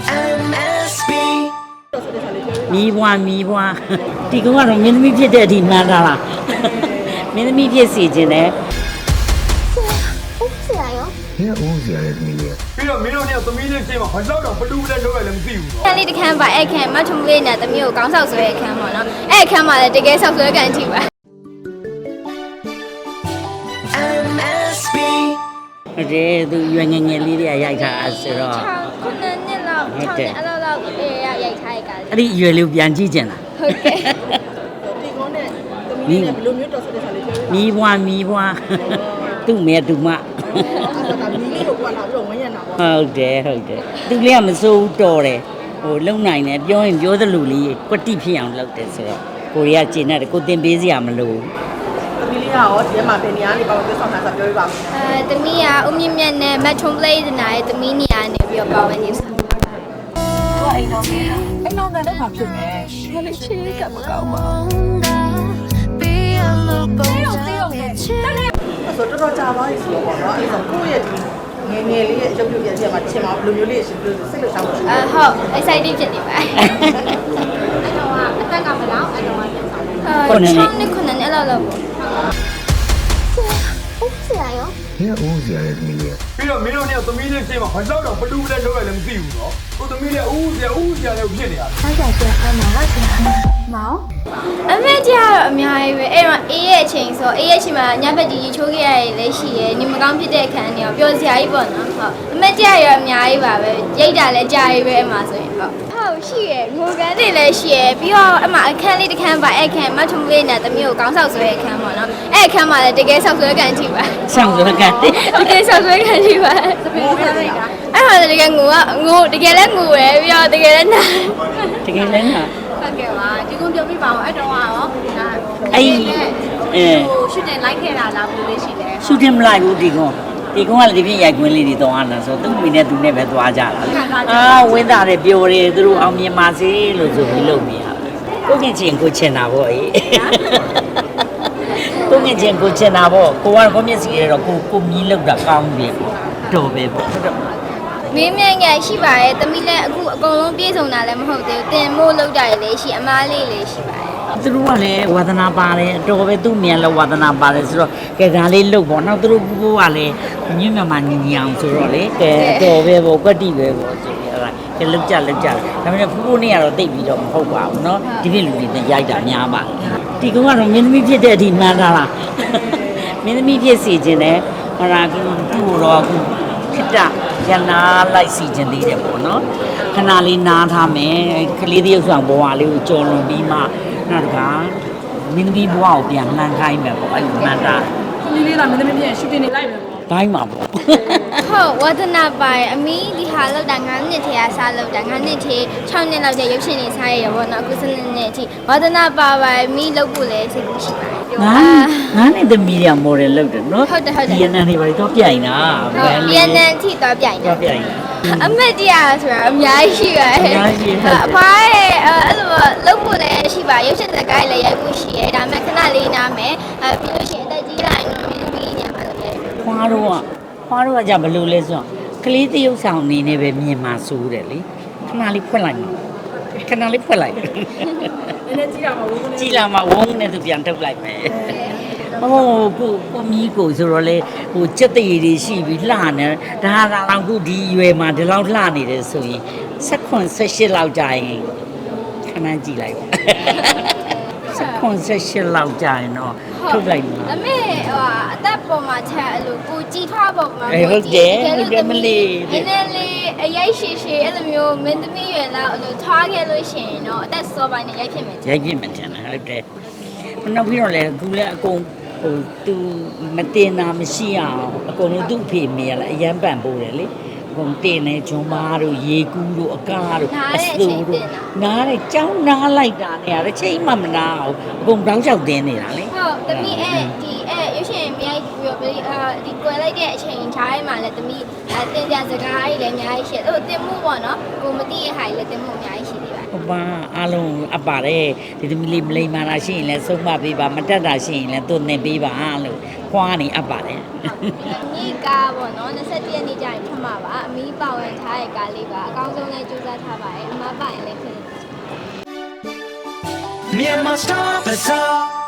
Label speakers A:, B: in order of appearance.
A: MSB
B: မီးဘွားဒီကောင်ကတော့မင်းသမီးဖြစ်တဲ့အထိမှန်းထားတာမင်းသမီးဖြစ်စီခြင်းနဲ့
C: ဟုတ်ဆရာရော
D: ဘယ်ဦးစရာလဲသမီးလေး
E: ပြီးတော့မင်းတို့เนี่ยသမီးလေးချင်းမှာဘာလို့တော့ဘလူးလဲလောက်ရလဲမသိဘူးနော်
C: ခန်းလေးတစ်ခန်းပါအဲ့ခန်းမထုံလေးနဲ့တမျိုးကိုကောင်းဆောက်ဆွဲတဲ့ခန်းပေါ့နော်အဲ့ခန်းမှာလည်းတကယ်ဆောက်ဆွဲကန်အထိပါ
A: MSB
B: ဟုတ်တယ်သူရွယ်ငယ်ငယ်လေးတွေကရိုက်ထားတာဆိုတော့
C: 6ခုနှစ်လောက်6နှစ်အဲ့လောက်အေးရိုက်ထားတဲ့ကားလေး
B: အဲ့ဒီရွယ်လေးကိုပြန်ကြည့်ကြင်လား
C: ဟုတ်ကဲ့
F: ဒီကုန်းနဲ့သမီးနဲ့ဘယ်လိုမျိုးတော်ဆက်တဲ့ဆာလေးပြောပြပါ
B: မီးဘွားသူ့မဲသူမ
F: အဲ့ဒါကမီးလေးကိုကွာလာပြီးတော့ဝန်းရံတာပေါ့
B: ဟုတ်တယ်သူလေးကမစိုးဘူးတော်တယ်ဟိုလုံနိုင်တယ်ပြောရင်ပြောသလိုလေးကွတိဖြစ်အောင်လုပ်တယ်ဆိုတော့ကိုရီးယားကျင်တဲ့ကိုတင်ပေးစရာမလို
F: သမီးလေးကရောဒီမှာဘယ်နေရာနေပါလို့ဆောင်းတာဆိုပြောပြပါဦး
C: တမီးကဦးမြင့်မြတ်နဲ့မထုံလေးနာရဲ့တမီးနေရာနေပြီးတော့ပါဝင်နေစား
F: အိမ်တော်နဲ့မှာဖြစ်မယ်ခလေးချေးကမကောင်းပါဘူးဆိုတော့ကြာပါပြီဆိုတော့เนาะအဲ့ဒါကိုယ့်ရဲ့ဒီငယ်ငယ်လေးရဲ့ရုပ်ပြုတ်ရတဲ့မှာချင်မှာဘယ်လိုမျိုးလေးရှင်ပြောစိတ်လှုပ်ရှားမှုရှိလဲ
C: ဟုတ် excited ဖြစ်နေပါအဲ့တော့အသက်ကဘယ်လောက်အဲ့တော့ပြန်ဆောင်6နှစ်အဲ့လောက်ပေါ့ဟုတ်ဆရာရော
D: ဘယ်ဦးစရာလဲသမီးလေး
E: ပြီးတော့မင်းတို့เนี่ยသမီးလေးချင်းမှာဘာလို့တော့ဘလူးလဲလောက်ရလဲမသိဘူးနော်ကိုသမီးလေးဦးစရာလဲဖြစ်နေတာ
C: အမေကြီးကတော့အများကြီးပဲအဲ့တော့အေးရဲ့အချိန်ဆိုအေးရဲ့အချိန်မှာညဘက်ကြီးချိုးခဲ့ရည်လည်းရှိရယ်နေမကောင်းဖြစ်တဲ့အခန်းတွေရောပျော်စရာကြီးပေါ့နော်ဟုတ်အမေကြီးရောအများကြီးပါပဲရိတ်တာလည်းကြာရေးပဲအမှဆိုရင်ဟုတ်ရှိရယ်ငိုကန်းတွေလည်းရှိရယ်ပြီးတော့အမှအခန်းလေးတစ်ခန်းပါအဲ့ခန်းမထုံလေးနဲ့တမျိုးကိုကောင်းဆောက်ဆွဲတဲ့အခန်းပေါ့နော်အဲ့အခန်းမှာလည်းတကယ်ဆောက်ဆွဲကန်အထိပါ
B: ဆောင်စွမ်းကန်
C: တကယ်ဆောက်ဆွဲကန်အထိပါအဲ့ဟာတကယ်ငိုတကယ်လည်းငိုရယ်ပြီးတော့တကယ်လည်းနာ
B: တကယ်လည်းနာ
G: ဟုတ်ကဲ့ပါဒီကုန်းပြောပြပါအောင်အဲ့တော့ရောဒါ
B: အဲ့
G: ဟိုရှူတင်လိုက်ခဲ့တာလားဘယ်လိုလဲရှိလဲ
B: ရှူတင်မလိုက်ဘူးဒီကောင်ကလည်းဒီပြင်ရိုက်ခွင်းလေးတွေတော့အားနာဆိုသူ့မိနဲ့သူနဲ့ပဲသွားကြတာဝင်းသားတယ်ပြောတယ်သူတို့အောင်မြင်ပါစေလို့ဆိုပြီးလုပ်နေရတယ်ကိုငင်ချင်းကိုချင်တာပေါ့အေးကိုငင်ချင်းကိုချင်တာပေါ့ကိုကတော့မျက်စိရတော့ကိုမြည်လောက်တာကောင်းတယ်ပေါ့တော်ပဲပေါ့ဟုတ်တော့
C: မင်းမြန်ငယ်ရှိပါရဲ့တမီးလည်းအခုအကုန်လုံးပြေဆုံးတာလည်းမဟုတ်သေးဘူးတင်မို့လောက်တာလည်းရှိအမားလေးလည်းရှိပါရဲ့
B: သူတို့ကလည်းဝါသနာပါတယ်အတော်ပဲသူ့မြန်လည်းဝါသနာပါတယ်ဆိုတော့ကဲဒါလေးလုပ်ပေါ့နောက်သူတို့ကလည်းညညမှာညီအောင်ဆိုတော့လေကဲတော်ပဲပေါ့ကွက်တိပဲပေါ့ဆိုပြီးအဲ့ဒါကဲလောက်ကြဒါပေမဲ့ဖူးဖူးနဲ့ကတော့တိတ်ပြီးတော့မဟုတ်ပါဘူးเนาะဒီပြည့်လူတွေနဲ့ရိုက်တာများပါဒီကောင်ကတော့မင်းသမီးဖြစ်တဲ့အထိမှန်းထားတာမင်းသမီးဖြစ်စီခြင်းနဲ့ဟောတာကူတော့ကူခစ်တာရနာလိုက်စီခြင်းသေးတယ်ပေါ့နော်ခဏလေးနားထားမယ်ကလေးတယောက်ဆောင်ဘဝလေးကိုကြော်လွန်ပြီးမှနောက်တခါမင်းသမီးဘဝကိုပြန်လှမ်းခိုင်းမယ်ပေါ့အဲ့လိုမှန်တာ
F: သမီးလေးကမင်းသမီးပြန်ရှူတင်နေလိုက်မယ်ပေါ့
B: ဘိုင်းမှာပေါ့
C: ဟုတ်ဝါသနာပါရဲ့အမီးဒီဟာလောက်တာ9နှစ်ထဲကစားလောက်တာ9နှစ်ထဲ6နှစ်လောက်ကျရုပ်ရှင်နေစားရရပေါ့နော်အခု7နှစ်အထိဝါသနာပါပါအမီးလောက်ဖို့လည်းစိတ်ကူးရှိပါတယ်
B: ငါနဲ့သမီးတွေကမော်ဒယ်လုပ်တယ်နော်ဒီရနန်တွေပါတော့ပြိုင်တာ
C: ဟုတ်ပြန်နေအထိတော့ပြိုင်တယ်
B: တော့ပြိုင်
C: အမတ်တရားဆိုတာအများကြီးရှိပါတယ်အဖွားရဲ့အဲ့လိုလုပ်ဖို့လည်းရှိပါရုပ်ရှင်စကားလည်းရိုက်ဖို့ရှိရဲဒါပေမဲ့ခဏလေးနားမယ်ပြီးလို့ရှိရင်အသက်ကြီးလာရင်တော့မင်းသမီးညာမှာလည်း
B: ခွားတော့ကကြဘလို့လဲဆိုတော့ကလေးတရုပ်ဆောင်အနေနဲ့ပဲမြင်မှာစိုးတယ်လေခဏလေးဖွက်လိုက်ခဏလေးဖွက်လိုက်
F: နည်းနည်းကြည့်ရမှာဘူး
B: ကြည်လာမှဝုန်းနဲ့သူပြန်ထုတ်လိုက်မယ်ဟိုကိုမီးကိုဆိုတော့လေဟိုစက်တရည်တွေရှိပြီးလှနေဒါတော့ခုဒီရွယ်မှာဒီလောက်လှနေတယ်ဆိုရင်16 18လောက်ကြာရင်ခဏကြည့်လိုက်ပါ16 18လောက်ကြာရင်တော့ထုတ်လိုက်မှာ
C: ဒါပေမဲ့အသက်ပေါ်မှာချက်အဲ့လိုကိုကြည်ထွားပေါ်မှာနည်းနည်းလေးအရိုက်ရှိအဲ့လိုမျိုးမင်းသမီးရွယ်လောက်အဲ့လိုထွားခဲ့လို့ရှိရင်တော့အသက်စောပိုင်းနဲ့ရိုက်ဖြစ်မယ်
B: ရိုက်ပြမှတင်တယ်ဟုတ်တယ်နောက်ပြီးတော့လေအခုလည်းအကုန်ဟိုသူမတင်တာမရှိအောင်အကုန်လုံးသူ့အဖေမေရလားအရန်ပန်ပိုးတယ်လေအကုန်တင်နေဂျွန်မားတို့ရေကူးတို့အကားတို့အစူတို့နားတယ်ကြောင်းနားလိုက်တာနဲ့အဲ့ချိန်မှမနာအောင်အကုန်တောင်းလျှောက်တင်းနေတာလေ
C: ဟုတ်သမီးဒီရုပ်ရှင်မြိုက်ပြီးတော့ဒီကွယ်လိုက်တဲ့အချိန်ခြားထဲမှာလည်းသမီးတင်ကြစကားကြီးလည်းအများကြီးရှိတယ်။အဲ့လိုတင်မှုပေါ့နော်။ကိုမသိရဲ့ဟာကြီးလည်းတင်မှုအများကြီးရှိသေးပါတယ်
B: ဟုတ်ပါအားလုံးအပ်ပါတယ်ဒီသမီးလေးမလိမ္မာတာရှိရင်လည်းဆုံးမပေးပါမတက်တာရှိရင်လည်းသူ့နေပေးပါလို့ခွာနေအပ်ပါတယ်
C: ညီကားပေါ့နော်21ရက်နေ့ကျရင်ထွက်မှာပါအမီးပါဝင်ထားတဲ့ကားလေးပါအကောင်းဆုံးလည်းကြိုးစားထားပါတယ်အမပါရင်လည်းခင်ဗျာ
A: Myanmar Star Bazaar